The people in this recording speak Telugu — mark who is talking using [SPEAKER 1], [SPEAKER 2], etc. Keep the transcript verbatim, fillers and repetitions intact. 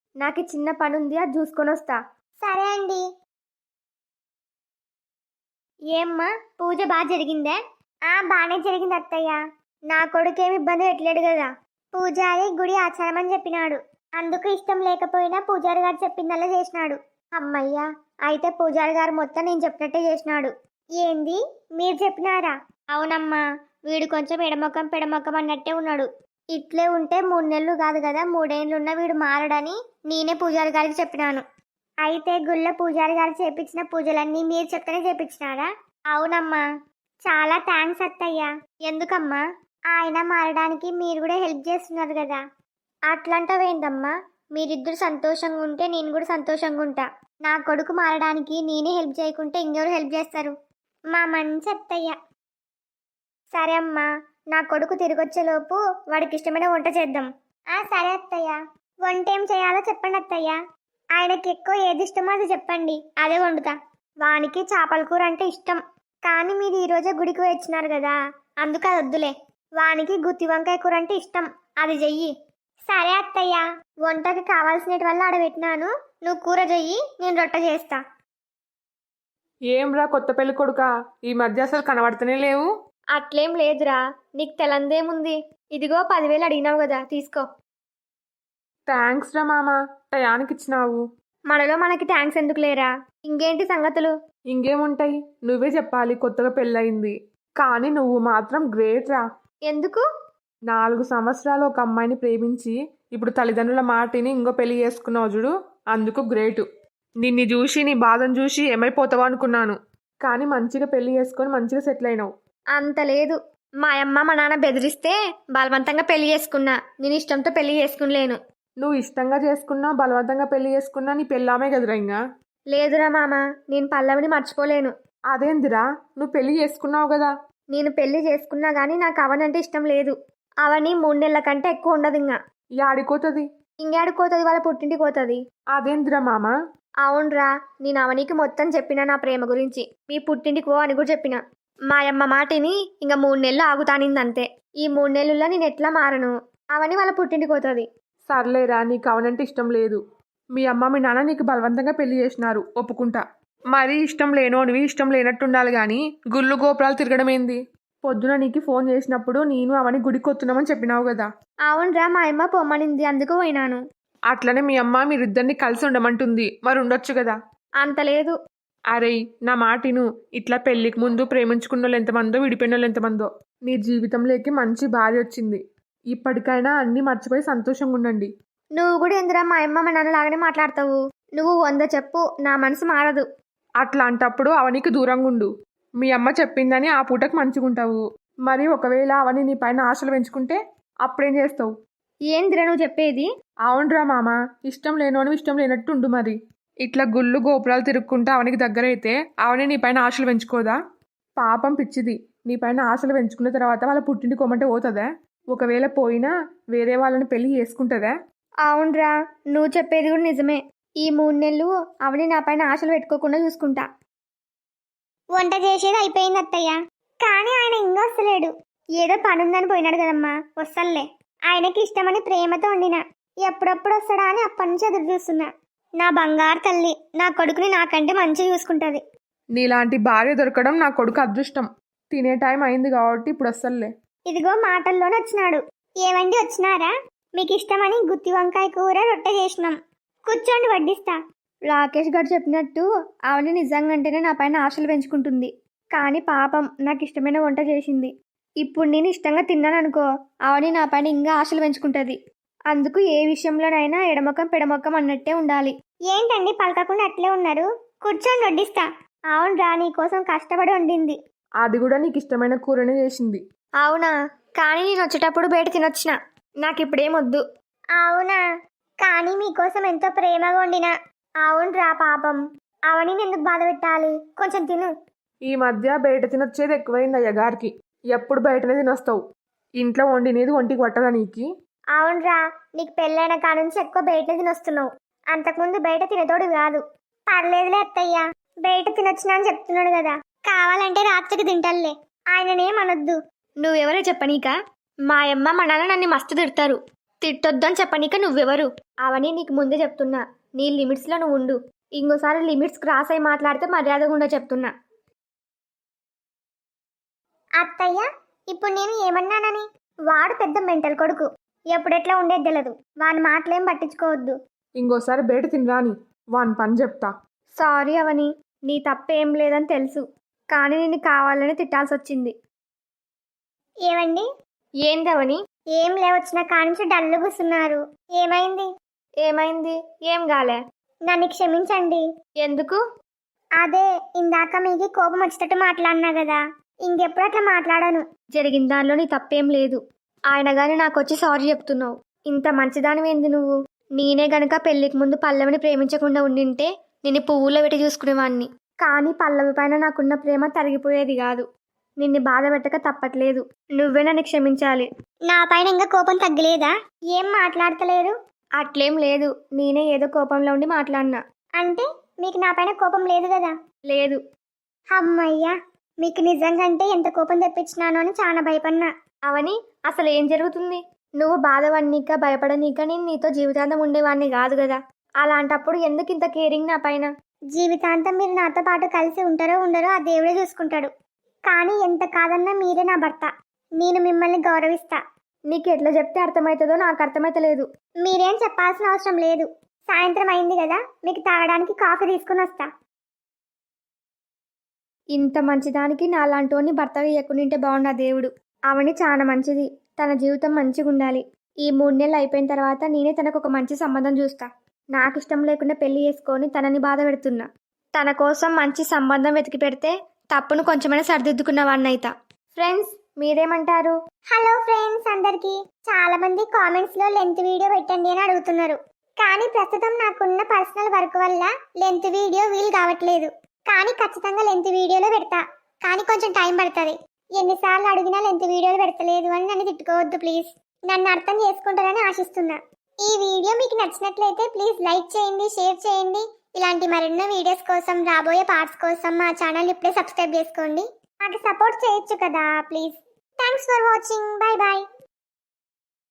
[SPEAKER 1] నాకు చిన్న పని ఉంది, అది చూసుకొని వస్తా.
[SPEAKER 2] సరే అండి.
[SPEAKER 1] ఏమ్మా పూజ బాగా జరిగిందే?
[SPEAKER 2] ఆ బాగానే జరిగింది అత్తయ్య.
[SPEAKER 1] నా కొడుకు ఏమి ఇబ్బంది పెట్టలేడు కదా?
[SPEAKER 2] పూజారి గుడి ఆచారం అని చెప్పినాడు. అందుకు ఇష్టం లేకపోయినా పూజారి గారు చెప్పిందల్లా చేసినాడు.
[SPEAKER 1] అమ్మయ్యా, అయితే పూజారి గారు మొత్తం నేను చెప్పినట్టే చేసినాడు.
[SPEAKER 2] ఏంది మీరు చెప్పినారా?
[SPEAKER 1] అవునమ్మా, వీడు కొంచెం ఎడమొక్కం పెడమొక్కం అన్నట్టే ఉన్నాడు. ఇట్లే ఉంటే మూడు నెలలు కాదు కదా మూడేళ్ళున్న వీడు మారడని నేనే పూజారి గారికి చెప్పినాను.
[SPEAKER 2] అయితే గుళ్ళ పూజారి గారు చేపించిన పూజలన్నీ మీరు చెప్తేనే చేపించినారా?
[SPEAKER 1] అవునమ్మా.
[SPEAKER 2] చాలా థ్యాంక్స్ అత్తయ్య.
[SPEAKER 1] ఎందుకమ్మా?
[SPEAKER 2] ఆయన మారడానికి మీరు కూడా హెల్ప్ చేస్తున్నారు కదా.
[SPEAKER 1] అట్లంటావేందమ్మా? మీరిద్దరు సంతోషంగా ఉంటే నేను కూడా సంతోషంగా ఉంటా. నా కొడుకు మారడానికి నేనే హెల్ప్ చేయకుంటే ఇంకెవరు హెల్ప్ చేస్తారు?
[SPEAKER 2] మా మంచి అత్తయ్య.
[SPEAKER 1] సరే అమ్మా, నా కొడుకు తిరిగొచ్చేలోపు వాడికి ఇష్టమైన వంట చేద్దాం.
[SPEAKER 2] ఆ సరే అత్తయ్య. వంట ఏం చేయాలో చెప్పండి అత్తయ్య. ఆయనకి ఎక్కువ ఏది ఇష్టమో అది చెప్పండి, అదే వండుతా.
[SPEAKER 1] వానికి చేపల కూర అంటే ఇష్టం,
[SPEAKER 2] కానీ మీరు ఈరోజే గుడికి వచ్చినారు కదా,
[SPEAKER 1] అందుకు అది వద్దులే. వానికి గుత్తి వంకాయ కూర అంటే ఇష్టం, అది చెయ్యి.
[SPEAKER 2] సరే అత్తయ్య.
[SPEAKER 1] వంటకి కావాల్సినటి వల్ల ఆడబెట్టినాను, నువ్వు కూర చెయ్యి, నేను రొట్టె చేస్తా.
[SPEAKER 3] ఏం రా కొత్త పెళ్లి కొడుక, ఈ మధ్య అసలు కనబడుతూనే లేవు.
[SPEAKER 1] అట్లేం లేదురా, నీకు తెలందేముంది. ఇదిగో పదివేలు అడిగినావు కదా, తీసుకో.
[SPEAKER 3] థ్యాంక్స్ రా మామ, టయానికి ఇచ్చినావు.
[SPEAKER 1] మనలో మనకి థ్యాంక్స్ ఎందుకు లేరా? ఇంకేంటి సంగతులు?
[SPEAKER 3] ఇంకేముంటాయి, నువ్వే చెప్పాలి. కొత్తగా పెళ్ళయింది కానీ నువ్వు మాత్రం గ్రేట్ రా.
[SPEAKER 1] ఎందుకు?
[SPEAKER 3] నాలుగు సంవత్సరాలు ఒక అమ్మాయిని ప్రేమించి ఇప్పుడు తల్లిదండ్రుల మాటిని ఇంకో పెళ్లి చేసుకున్నావు చూడు, అందుకు గ్రేటు. నిన్ను చూసి నీ బాధను చూసి ఏమైపోతావు అనుకున్నాను, కానీ మంచిగా పెళ్లి చేసుకొని మంచిగా సెటిల్ అయినావు.
[SPEAKER 1] అంత లేదు, మా అమ్మ మా నాన్న బెదిరిస్తే బలవంతంగా పెళ్లి చేసుకున్నా. నేను ఇష్టంతో పెళ్లి చేసుకునిలేను.
[SPEAKER 3] నువ్వు ఇష్టంగా చేసుకున్నా బలవంతంగా పెళ్లి చేసుకున్నా నీ పెళ్ళామే కదరా. ఇంకా
[SPEAKER 1] లేదురా మామ, నేను పల్లవిని మర్చిపోలేను.
[SPEAKER 3] అదేందిరా, నువ్వు పెళ్లి చేసుకున్నావు కదా?
[SPEAKER 1] నేను పెళ్లి చేసుకున్నా గానీ నాకు అవనంటే ఇష్టం లేదు. అవని మూడు నెలల కంటే ఎక్కువ ఉండదు. ఇంకా
[SPEAKER 3] యాడిపోతుంది?
[SPEAKER 1] ఇంకేడుకోతుంది, వాళ్ళ పుట్టింటికి పోతుంది.
[SPEAKER 3] అదేందిరా మామ?
[SPEAKER 1] అవునరా, నేను అవనికి మొత్తం చెప్పినా నా ప్రేమ గురించి. మీ పుట్టింటికి పో అని కూడా చెప్పిన. మా అమ్మ మాటిని ఇంకా మూడు నెలలు ఆగుతానింది అంతే. ఈ మూడు నెలల్లో నేను ఎట్లా మారను? అవని వాళ్ళ పుట్టింటికి పోతుంది.
[SPEAKER 3] సర్లేరా, నీకు అవనంటే ఇష్టం లేదు. మీ అమ్మ మీ నాన్న నీకు బలవంతంగా పెళ్లి చేసినారు, ఒప్పుకుంటా. మరీ ఇష్టం లేనోనివి ఇష్టం లేనట్టు ఉండాలి కానీ గుళ్ళు గోపురాలు తిరగడం ఏంది? పొద్దున నీకు ఫోన్ చేసినప్పుడు నేను అవని గుడికి వస్తున్నామని చెప్పినావు కదా.
[SPEAKER 1] అవునరా, మా అమ్మ పొమ్మనింది, అందుకు పోయినాను.
[SPEAKER 3] అట్లనే మీ అమ్మ మీరిద్దరిని కలిసి ఉండమంటుంది, మరి ఉండొచ్చు కదా.
[SPEAKER 1] అంత లేదు.
[SPEAKER 3] అరే నా మాటిను, ఇట్లా పెళ్లికి ముందు ప్రేమించుకున్న వాళ్ళు ఎంతమందో విడిపోయిన వాళ్ళు ఎంతమందో. నీ జీవితంలోకి మంచి భార్య వచ్చింది, ఇప్పటికైనా అన్నీ మర్చిపోయి సంతోషంగా ఉండండి.
[SPEAKER 1] నువ్వు కూడా ఎందురా మా అమ్మ మా నాన్న లాగానే మాట్లాడతావు? నువ్వు వంద చెప్పు, నా మనసు మారదు.
[SPEAKER 3] అట్లాంటప్పుడు అవనికి దూరంగా ఉండు. మీ అమ్మ చెప్పిందని ఆ పూటకు మంచిగుంటావు. మరి ఒకవేళ అవని నీ పైన ఆశలు పెంచుకుంటే అప్పుడేం చేస్తావు?
[SPEAKER 1] ఏందిరా నువ్వు చెప్పేది?
[SPEAKER 3] అవునరా మామ, ఇష్టం లేనోని ఇష్టం లేనట్టు ఉండు. మరి ఇట్లా గుళ్ళు గోపురాలు తిరుక్కుంటా అవనికి దగ్గర అయితే అవని నీ పైన ఆశలు పెంచుకోదా? పాపం పిచ్చిది, నీ పైన ఆశలు పెంచుకున్న తర్వాత వాళ్ళ పుట్టింటి కొమ్మంటే పోతుందా? ఒకవేళ పోయినా వేరే వాళ్ళని పెళ్లి చేసుకుంటుందా?
[SPEAKER 1] అవునరా, నువ్వు చెప్పేది కూడా నిజమే. ఈ మూడు నెలలు అవని నా పైన ఆశలు పెట్టుకోకుండా చూసుకుంటా.
[SPEAKER 2] వంట చేసేది అయిపోయింది అత్తయ్య, కానీ ఆయన ఇంకా వస్తలేడు.
[SPEAKER 1] ఏదో పని ఉందని పోయినాడు కదమ్మా, వస్తలే.
[SPEAKER 2] ఆయనకి ఇష్టమని ప్రేమతో వండిన, ఎప్పుడప్పుడు వస్తాడా అని అప్పటి నుంచి ఎదురు చూస్తున్నా.
[SPEAKER 1] నా బంగారు తల్లి, నా కొడుకుని నాకంటే మంచిగా చూసుకుంటుంది.
[SPEAKER 3] నీలాంటి భార్య దొరకడం నా కొడుకు అదృష్టం. తినే టైం అయింది కాబట్టి ఇప్పుడు వస్తలే.
[SPEAKER 2] ఇదిగో మాటల్లోనే వచ్చినాడు. ఏమండి వచ్చినారా? మీకు ఇష్టమని గుత్తి వంకాయ కూర రొట్టె చేసినాం, కూర్చోండి వడ్డిస్తా.
[SPEAKER 1] రాకేష్ గారు చెప్పినట్టు అవని నిజంగాంటేనే నా పైన ఆశలు పెంచుకుంటుంది, కానీ పాపం నాకు ఇష్టమైన వంట చేసింది. ఇప్పుడు నేను ఇష్టంగా తిన్నాను అనుకో, అవని నా పైన ఇంకా ఆశలు పెంచుకుంటుంది. అందుకు ఏ విషయంలోనైనా ఎడమొక్కం పెడమొక్కం అన్నట్టే ఉండాలి.
[SPEAKER 2] ఏంటండి పలకకుండా అట్లే ఉన్నారు? కూర్చోండి వడ్డిస్తా.
[SPEAKER 1] అవునరా, నీ కోసం కష్టపడి వండింది.
[SPEAKER 3] అది కూడా నీకు ఇష్టమైన కూరనే చేసింది.
[SPEAKER 1] అవునా, కానీ నేను వచ్చేటప్పుడు బయట తినొచ్చిన, నాకు ఇప్పుడేమొద్దు.
[SPEAKER 2] అవునా, కానీ మీకోసం ఎంతో ప్రేమగా వండినా.
[SPEAKER 1] అవునరా, పాపం
[SPEAKER 2] అవని ఎందుకు బాధ పెట్టాలి, కొంచెం తిను.
[SPEAKER 3] ఈ మధ్య బయట తినొచ్చేది ఎక్కువైంది అయ్యగారికి. ఎప్పుడు బయటనే తినొస్తావు, ఇంట్లో వండినేది ఒంటికి పట్టదా నీకి?
[SPEAKER 2] అవునరా, నీకు పెళ్ళైన కాడ నుంచి ఎక్కువ బయట తినొస్తున్నావు. అంతకుముందు బయట తినతోడు కాదు. పర్లేదులే అత్తయ్య, బయట తినొచ్చినా అని చెప్తున్నాడు కదా, కావాలంటే రాత్రికి తింటల్లే, ఆయననేమనొద్దు.
[SPEAKER 1] నువ్వెవరో చెప్పనీక? మా అమ్మ మా నాన్న నన్ను మస్తు తిడతారు. తిట్టొద్దని చెప్పనీక నువ్వెవరు? అవని నీకు ముందే చెప్తున్నా, నీ లిమిట్స్లో నువ్వు ఉండు. ఇంకోసారి లిమిట్స్ క్రాస్ అయి మాట్లాడితే మర్యాదగా ఉండో చెప్తున్నా.
[SPEAKER 2] అత్తయ్య ఇప్పుడు నేను ఏమన్నానని? వాడు పెద్ద మెంటల్ కొడుకు, ఎప్పుడెట్లా ఉండేది తెలియదు. వాని మాటలేం పట్టించుకోవద్దు.
[SPEAKER 3] ఇంకోసారి బయట తినరాని వాని పని చెప్తా.
[SPEAKER 1] సారీ అవని, నీ తప్పేం లేదని తెలుసు, కానీ నిన్ను కావాలని తిట్టాల్సి వచ్చింది.
[SPEAKER 2] ఏమండి?
[SPEAKER 1] ఏందవని?
[SPEAKER 2] ఏం లేవచ్చిన కానించి డల్లు కూస్తున్నారు. ఏమైంది?
[SPEAKER 1] ఏమైంది? ఏం గాలే.
[SPEAKER 2] నన్ను క్షమించండి.
[SPEAKER 1] ఎందుకు?
[SPEAKER 2] అదే ఇందాక మీకు కోపం వచ్చేటట్టు మాట్లాడినా కదా, ఇంకెప్పుడు అట్లా మాట్లాడను.
[SPEAKER 1] జరిగిన దానిలో నీ తప్పేం లేదు. ఆయన గాని నాకు వచ్చి సారీ చెప్తున్నావు. ఇంత మంచిదానివేంది నువ్వు? నేనే గనక పెళ్లికి ముందు పల్లవిని ప్రేమించకుండా ఉండింటే నిన్ను పువ్వులో పెట్టి చూసుకునేవాణ్ణి. కానీ పల్లవి పైన నాకున్న ప్రేమ తరిగిపోయేది కాదు. నిన్ను బాధ పెట్టక తప్పట్లేదు. నువ్వే నన్ను క్షమించాలి.
[SPEAKER 2] నా పైన ఇంకా కోపం తగ్గలేదా? ఏం మాట్లాడతలేరు?
[SPEAKER 1] అట్లేం లేదు, నేనే ఏదో కోపంలో ఉండి మాట్లాడినా.
[SPEAKER 2] అంటే మీకు నా పైన కోపం లేదు కదా?
[SPEAKER 1] లేదు.
[SPEAKER 2] అమ్మయ్యా, మీకు నిజంగంటే ఎంత కోపం తెప్పించినానో అని చాలా భయపడినా.
[SPEAKER 1] అవని, అసలు ఏం జరుగుతుంది? నువ్వు బాధపడనీక భయపడనీక నేను నీతో జీవితాంతం ఉండేవాడిని కాదు కదా. అలాంటప్పుడు ఎందుకు ఇంత కేరింగ్ నా పైన?
[SPEAKER 2] జీవితాంతం మీరు నాతో పాటు కలిసి ఉంటారో ఉండరో ఆ దేవుడే చూసుకుంటాడు. కానీ ఎంత కాదన్నా మీరే నా భర్త. నేను మిమ్మల్ని గౌరవిస్తా.
[SPEAKER 1] నీకు ఎట్లా చెప్తే అర్థమవుతుందో నాకు అర్థమైతలేదు.
[SPEAKER 2] మీరేం చెప్పాల్సిన అవసరం లేదు. సాయంత్రం అయింది కదా, మీకు తాగడానికి కాఫీ తీసుకుని వస్తా.
[SPEAKER 1] ఇంత మంచిదానికి నాలాంటోని భర్తగా ఇయ్యకుండింటే బాగుండా దేవుడు. అవని చాలా మంచిది, తన జీవితం మంచిగా ఉండాలి. ఈ మూడు నెలలు అయిపోయిన తర్వాత నేనే తనకు ఒక మంచి సంబంధం చూస్తా. నాకు ఇష్టం లేకుండా పెళ్లి చేసుకొని తనని బాధ పెడుతున్నా. తన కోసం మంచి సంబంధం వెతికి పెడితే తప్పును కొంచెమైనా సరిదిద్దుకున్న వాడినైతా. ఫ్రెండ్స్, మీరేమంటారు?
[SPEAKER 2] హలో ఫ్రెండ్స్ అందరికి. చాలా మంది కామెంట్స్ లో లెంత్ వీడియో పెట్టండి అని అడుగుతున్నారు. కానీ ప్రస్తుతం నాకున్న పర్సనల్ వర్క్ వల్ల లెంత్ వీడియో వీలు కావట్లేదు. కానీ ఖచ్చితంగా లెంత్ వీడియోలో పెడతా. కానీ కొంచెం టైం పడుతుంది. ఎన్నిసార్లు అడిగినా లెంత్ వీడియోలు పెడతలేదు అని నన్ను తిట్టుకోవద్దు ప్లీజ్. నన్ను అర్థం చేసుకుంటారని ఆశిస్తున్నా. ఈ వీడియో మీకు నచ్చినట్లయితే ప్లీజ్ లైక్ చేయండి, షేర్ చేయండి. ఇలాంటి మరెన్నో వీడియోస్ కోసం, రాబోయే పార్ట్స్ కోసం మా ఛానల్ ఇప్పుడే సబ్స్క్రైబ్ చేసుకోండి. నాకు సపోర్ట్ చేయొచ్చు కదా please. Thanks for watching. Bye bye.